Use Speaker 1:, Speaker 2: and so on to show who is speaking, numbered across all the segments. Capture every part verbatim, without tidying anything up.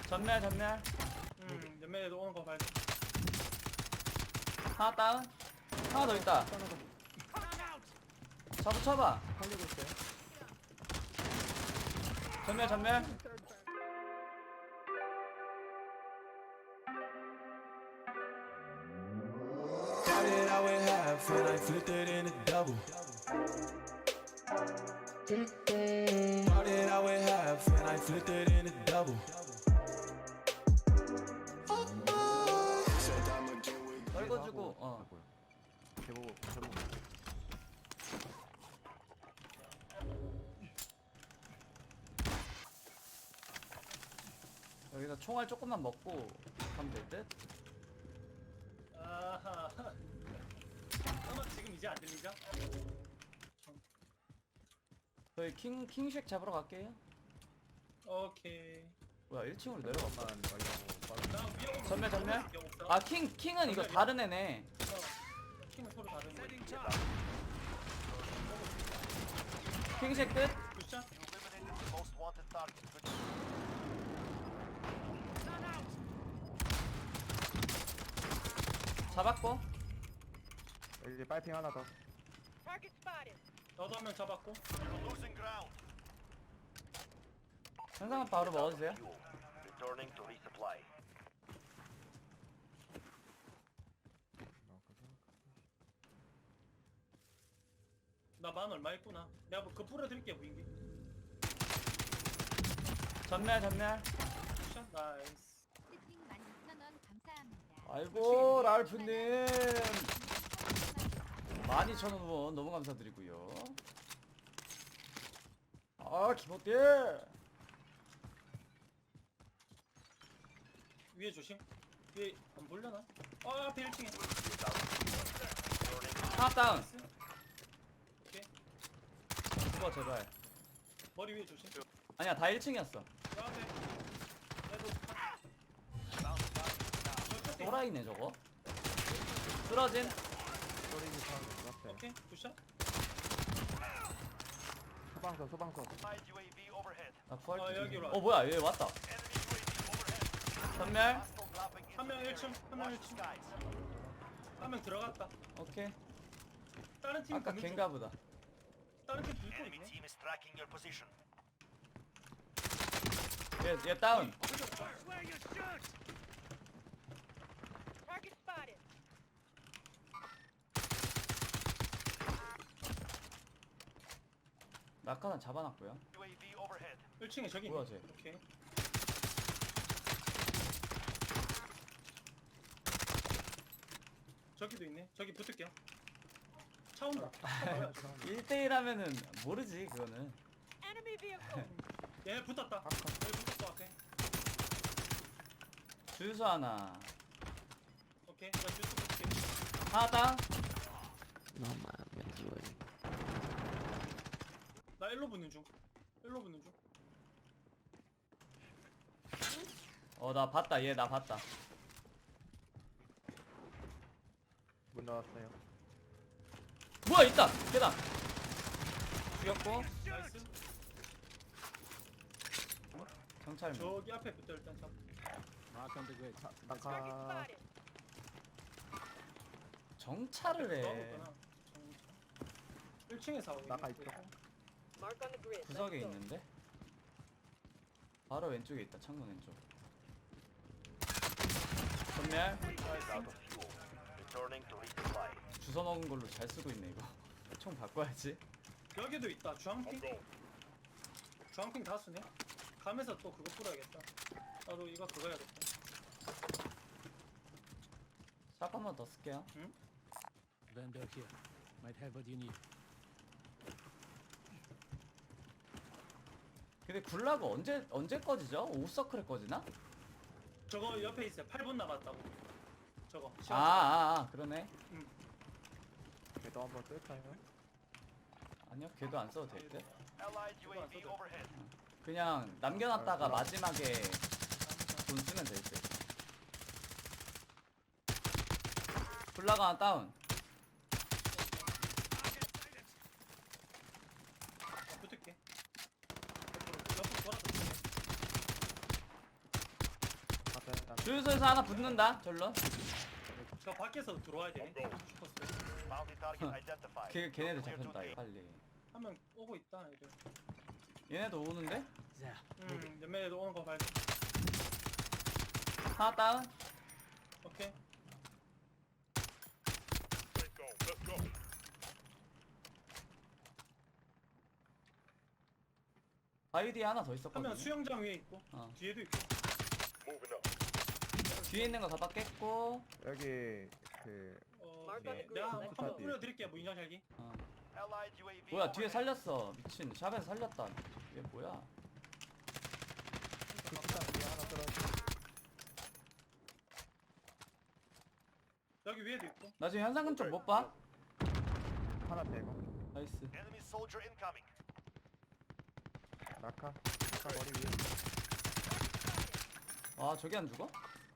Speaker 1: 전멸 전멸.
Speaker 2: 음, 연매에도 오는 거 봐야 돼.
Speaker 1: 하나 다운. 하나 더 있다. 잡아 쳐봐.
Speaker 3: 살리고 있어요.
Speaker 1: 전멸 전멸.
Speaker 4: Started out with half and I flipped it into double. Started out with half and I flipped it into double.
Speaker 1: 떨궈주고 어.
Speaker 3: 개보고 개보고.
Speaker 1: 여기서 총알 조금만 먹고 가면 될 듯?
Speaker 2: 아하. 아마 지금 이제 안 들리죠?
Speaker 1: 저희 킹 킹쉑 잡으러 갈게요.
Speaker 2: 오케이.
Speaker 1: 뭐야 일 층으로 내려갔다.
Speaker 3: 만 말고
Speaker 2: 나 위에 오면
Speaker 1: 전멸, 전멸?
Speaker 2: 없어, 없어.
Speaker 1: 아 킹 킹은 이거 다른 애네.
Speaker 2: 어, 팀은 서로 다른 거.
Speaker 1: 킹쉑 끝.
Speaker 2: 굿샷?
Speaker 5: Most wanted target. Good.
Speaker 1: 잡았고.
Speaker 3: 이제 빨핑 하나 더.
Speaker 6: Target spotted.
Speaker 2: 너도 한 명 잡았고.
Speaker 5: Losing ground.
Speaker 1: 현상은 바로 먹어주세요.
Speaker 5: Fuel. Returning to resupply.
Speaker 2: 나 만 얼마 있구나. 내가 뭐그 뿌려드릴게 무인기.
Speaker 1: 전멸 전멸.
Speaker 2: 굿샷 나이스.
Speaker 7: 세팅 만 이천 원 감사합니다.
Speaker 1: 아이고 랄프님 만 이천 원 후원 너무 감사드리고요. 아 기본띠.
Speaker 2: 위에 조심. 위에 안 보려나? 아 앞에 일 층에.
Speaker 1: 하나 다운.
Speaker 2: 오케이.
Speaker 1: 죽어 제발.
Speaker 2: 머리 위에 조심.
Speaker 1: 아니야 다 일 층이었어.
Speaker 2: 저 앞에. 얘도
Speaker 1: 또라이네 저거. 쓰러진.
Speaker 3: 소리지 사람 앞에.
Speaker 2: 오케이 굿샷.
Speaker 3: 소방서 소방서.
Speaker 5: Allied U A V overhead.
Speaker 1: 나 부활.
Speaker 2: 아, 여기로
Speaker 1: 어 뭐야 얘 왔다.
Speaker 5: Enemy U A V overhead.
Speaker 1: 전멸.
Speaker 5: Hostile dropping into
Speaker 2: 한 명
Speaker 5: the
Speaker 2: 일 층,
Speaker 5: area.
Speaker 2: 한 명
Speaker 5: Watch
Speaker 2: 일 층.
Speaker 5: skies.
Speaker 2: 한 명 들어갔다.
Speaker 1: 오케이.
Speaker 2: 다른 팀
Speaker 1: 아까
Speaker 2: 보는 중.
Speaker 1: 걘가 보다.
Speaker 2: 다른 팀 불고
Speaker 5: Enemy
Speaker 2: 있네.
Speaker 5: team is tracking your position.
Speaker 1: 얘, 얘 다운.
Speaker 6: Target spotted.
Speaker 1: 낙하산 잡아놨고요.
Speaker 5: U A V overhead.
Speaker 2: 일 층에 저기
Speaker 1: 뭐야,
Speaker 2: 있네.
Speaker 1: 쟤?
Speaker 2: 오케이. 저기도 있네. 저기 붙을게요. 차 온다. 차 뭐야, 저거.
Speaker 1: 일 대일 하면은 모르지 그거는.
Speaker 6: Enemy vehicle.
Speaker 2: 얘 붙었다. 여기 붙었어 앞에.
Speaker 1: 주유소 하나.
Speaker 2: 오케이. 나 주스 붙을게.
Speaker 1: 하나 다운.
Speaker 2: 나 일로 붙는 중. 일로 붙는 중.
Speaker 1: 어 나 봤다 얘 나 봤다.
Speaker 3: 문 나왔어요.
Speaker 1: 뭐야 있다 계단. 죽였고.
Speaker 2: 나이스.
Speaker 1: 경찰.
Speaker 2: 저기 앞에 붙어 일단 차.
Speaker 6: Target
Speaker 3: 낙하.
Speaker 6: spotted.
Speaker 1: 정찰을 해.
Speaker 2: 넣어볼까나? 일 층에 사고.
Speaker 3: 나가 있어.
Speaker 6: Mark on the grid.
Speaker 1: 구석에
Speaker 6: Let's go.
Speaker 1: 있는데. 바로 왼쪽에 있다 창문 왼쪽. 전멸.
Speaker 5: Out of fuel. Returning to resupply.
Speaker 1: 주워 먹은 걸로 잘 쓰고 있네 이거. 총 바꿔야지.
Speaker 2: 여기도 있다. 주황핑. 주황핑 다수네. 가면서 또 그거 뿌려야겠다. 나도 이거 그거 해야겠다.
Speaker 1: 샷 한 번 더 쓸게요.
Speaker 8: Vendor here. Might have what you need.
Speaker 1: 근데 굴라그 언제 언제 꺼지죠? 오서클에 꺼지나?
Speaker 2: 저거 옆에 있어요. 팔 분 남았다고. 저거.
Speaker 1: 아, 아, 아 그러네.
Speaker 3: 걔도 한번 뜰까요?
Speaker 1: 아니요, 걔도 안 써도 될 듯.
Speaker 5: Allied U A V overhead.
Speaker 1: 그냥 남겨놨다가
Speaker 3: 아, 그럼.
Speaker 1: 마지막에 돈 쓰면 될 듯. 굴라그 하나 다운.
Speaker 2: 붙을게. 옆으로, 옆으로 돌아서 붙을게.
Speaker 1: 주유소에서 하나 붙는다. 절로.
Speaker 2: 저 밖에서 들어와야 되네. 슈퍼스.
Speaker 5: Bounty target identified.
Speaker 1: 걔 걔네들
Speaker 5: Clear to
Speaker 1: 잡혔다.
Speaker 5: team.
Speaker 1: 빨리.
Speaker 2: 한 명 오고 있다 애들.
Speaker 1: 얘네도 오는데?
Speaker 8: There.
Speaker 2: 음, 연매에도 오는 거 발견.
Speaker 1: 하나 다운.
Speaker 2: 오케이.
Speaker 1: 바위 뒤에 하나 더
Speaker 2: 한
Speaker 1: 있었거든.
Speaker 2: 명 수영장 위에 있고
Speaker 1: 어.
Speaker 2: 뒤에도 있고.
Speaker 1: 뒤에 있는 거 다 깼고.
Speaker 3: 여기 그
Speaker 2: 어,
Speaker 6: Mark
Speaker 2: 네.
Speaker 6: on the grid.
Speaker 2: 내가
Speaker 6: Let's
Speaker 2: 한번
Speaker 6: go.
Speaker 2: 뿌려드릴게요. 무인장 샬기.
Speaker 1: 어.
Speaker 5: Allied U A V
Speaker 1: 뭐야 뒤에
Speaker 5: overhead.
Speaker 1: 살렸어. 미친. 샵에서 살렸다. 얘 뭐야?
Speaker 3: 식당 뒤에 하나 떨어져.
Speaker 2: 여기 위에도 있고.
Speaker 1: 나 지금 현상금 쪽 못 봐?
Speaker 3: 하나 대고.
Speaker 1: 나이스.
Speaker 5: Enemy soldier incoming.
Speaker 3: 낙하. 낙하 머리 위에.
Speaker 1: 와 저기 안 죽어?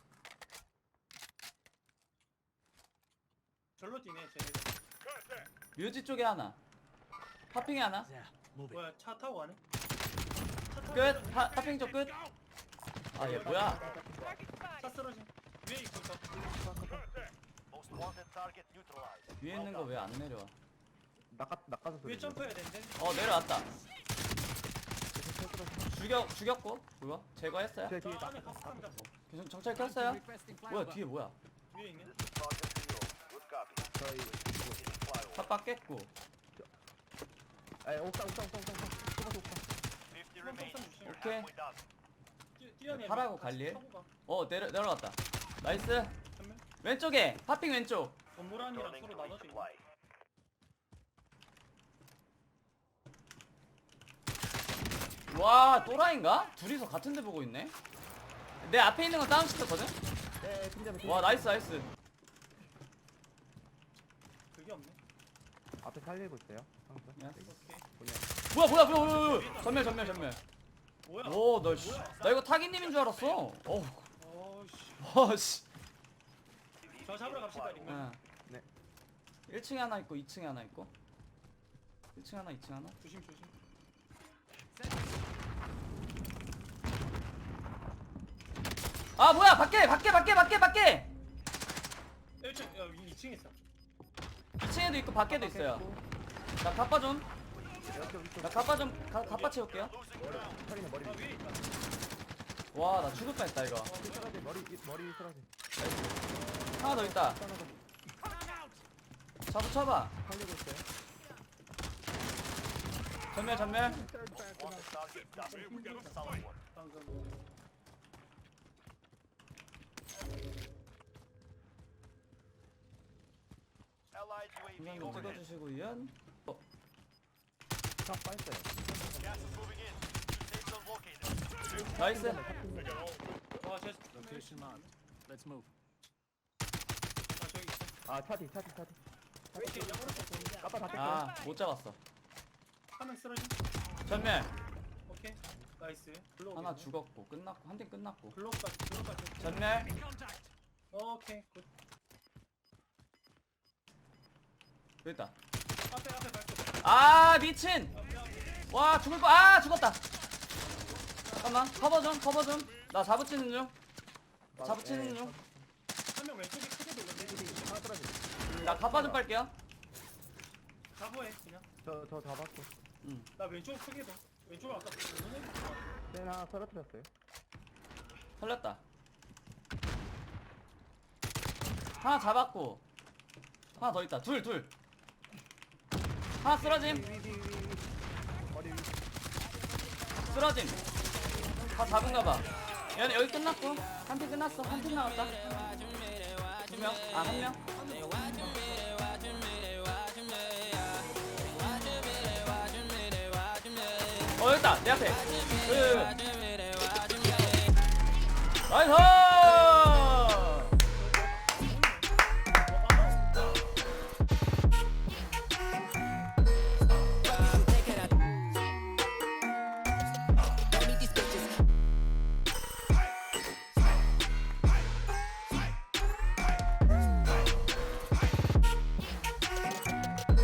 Speaker 2: 절로 뛰네 쟤네.
Speaker 1: 뮤지 쪽에 하나. 파핑에 하나.
Speaker 8: There. Move it.
Speaker 2: 뭐야 차 타고 가네? 차 타고
Speaker 1: 끝.
Speaker 2: 가네?
Speaker 1: 파, 파핑 쪽 끝. 아 얘 뭐야?
Speaker 6: Target
Speaker 2: 차
Speaker 6: spotted.
Speaker 2: 쓰러짐. 위에 있고 저.
Speaker 5: Most wanted target neutralized.
Speaker 1: 위에 있는 거 왜 안 내려와?
Speaker 3: 낙하 낙하서 소리.
Speaker 2: 위에 점프해야 되는데.
Speaker 1: 어 내려왔다. 죽여 죽였고 그거 제거했어요?
Speaker 3: 제
Speaker 2: 저
Speaker 3: 뒤에
Speaker 2: 안에
Speaker 3: 낙하.
Speaker 2: 가스 상 잡고.
Speaker 1: 계속 정찰 켰어요?
Speaker 8: Requesting
Speaker 1: 뭐야
Speaker 8: flyover.
Speaker 1: 뒤에 뭐야?
Speaker 2: 위에 있네.
Speaker 5: This is Sergeant Zero. Good copy.
Speaker 3: 저희
Speaker 5: Beginning flyover.
Speaker 1: 탑박 깼고.
Speaker 3: 에 옥상 옥상 옥상 옥상. 옥상 옥상.
Speaker 5: fifty
Speaker 2: 한번
Speaker 5: remaining.
Speaker 2: 좀 주시면.
Speaker 1: 오케이.
Speaker 5: Halfway done.
Speaker 2: 뛰- 뛰어내려.
Speaker 1: 파라고
Speaker 2: 같이
Speaker 1: 갈릴?
Speaker 2: 타고 가.
Speaker 1: 어 내려 내려갔다. 나이스.
Speaker 2: 전면.
Speaker 1: 왼쪽에 파핑 왼쪽.
Speaker 2: 건물 안이랑
Speaker 5: Returning
Speaker 2: 서로
Speaker 5: to
Speaker 2: 나눠져 있네.
Speaker 5: resupply.
Speaker 1: 와 또라이인가? 둘이서 같은 데 보고 있네. 내 앞에 있는 건 다운 시켰거든?
Speaker 3: 네 팀장님.
Speaker 1: 와 나이스 나이스.
Speaker 2: 그게 없네.
Speaker 3: 앞에 살리고 있어요. 항상.
Speaker 1: 야.
Speaker 2: 오케이.
Speaker 3: 그냥.
Speaker 1: 뭐야 뭐야 뭐야 뭐야 뭐야. 전멸 전멸 전멸.
Speaker 2: 뭐야?
Speaker 1: 오나 나 이거 타기님인 줄 알았어. 어우
Speaker 2: 어씨.
Speaker 1: 와씨.
Speaker 2: 저 잡으러 갑시다 링.
Speaker 1: 응.
Speaker 3: 네.
Speaker 1: 일 층에 하나 있고 이 층에 하나 있고. 일 층 하나 이 층 하나.
Speaker 2: 조심 조심.
Speaker 1: 아 뭐야 밖에 밖에 밖에 밖에 밖에.
Speaker 2: 일 층 여기 이 층에 있어.
Speaker 1: 이 층에도 있고 밖에도 있어요. 나 가빠 좀.
Speaker 3: 이쪽 이쪽.
Speaker 1: 나 가빠 좀 가, 가빠 채울게요.
Speaker 3: 털이는 머리
Speaker 2: 아
Speaker 3: 위에.
Speaker 2: 위에 있다.
Speaker 1: 와 나 죽을 뻔했다 이거.
Speaker 3: 쓰러지 머리 이- 머리 쓰러지.
Speaker 1: 하나 더 있다.
Speaker 3: 하나 더
Speaker 1: 잡아 쳐봐.
Speaker 3: 살리고 있어요.
Speaker 1: 전멸 전멸.
Speaker 5: Wanted target done. Solid work.
Speaker 2: 방금.
Speaker 5: Allied U A V
Speaker 1: 중간 좀
Speaker 5: overhead.
Speaker 1: 찍어주시고 이연. 어
Speaker 3: 차 빠졌어요.
Speaker 5: Gas is moving in. New safe zone located.
Speaker 1: 나이스.
Speaker 2: 와쟤
Speaker 8: Location marked. Let's move.
Speaker 2: 아 저기 있어.
Speaker 3: 아차 뒤, 차 뒤, 차 뒤.
Speaker 2: 이렇게 옆으로
Speaker 3: 까빠 다 깼어요.
Speaker 1: 아 못 잡았어.
Speaker 2: 한명 쓰러짐.
Speaker 1: 전멸.
Speaker 2: 오케이. 나이스. 블록.
Speaker 1: 하나 죽었고 끝났고 한 팀 끝났고.
Speaker 2: 블록까지 블록까지.
Speaker 1: 전멸.
Speaker 2: 오케이 굿.
Speaker 1: 여기 있다.
Speaker 2: 앞에 앞에 밟고.
Speaker 1: 아 미친.
Speaker 2: 앞에 앞에.
Speaker 1: 와 죽을 뻔. 아 죽었다. 잠깐만 커버 좀 커버 좀. 나 잡으치는 중. 잡으치는 중.
Speaker 2: 한명 왼쪽에 크게 돌렸네.
Speaker 3: 하나 떨어지.
Speaker 1: 나 가빠 좀 빨게요.
Speaker 2: 잡아해 그냥.
Speaker 3: 저저 잡았고.
Speaker 2: 나 왼쪽 크게 도. 왼쪽 아까 보는
Speaker 3: 쟤는 하나 떨어뜨렸어요.
Speaker 1: 살렸다. 하나 잡았고 하나 더 있다. 둘 둘. 하나 쓰러짐.
Speaker 3: 머리 위.
Speaker 1: 쓰러짐. 다 잡은가봐. 얘는 여기 끝났고 한 팀 끝났어. 한 팀 남았다. 두 명. 아 한 명. 어 여기 있다. 내 앞에. 그. 나이스.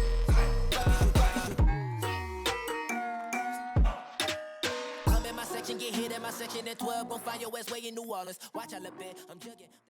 Speaker 9: Come in my section, get hit in my section at twelve, gon' find your ass way in New Orleans. Watch I look bit, I'm jugging.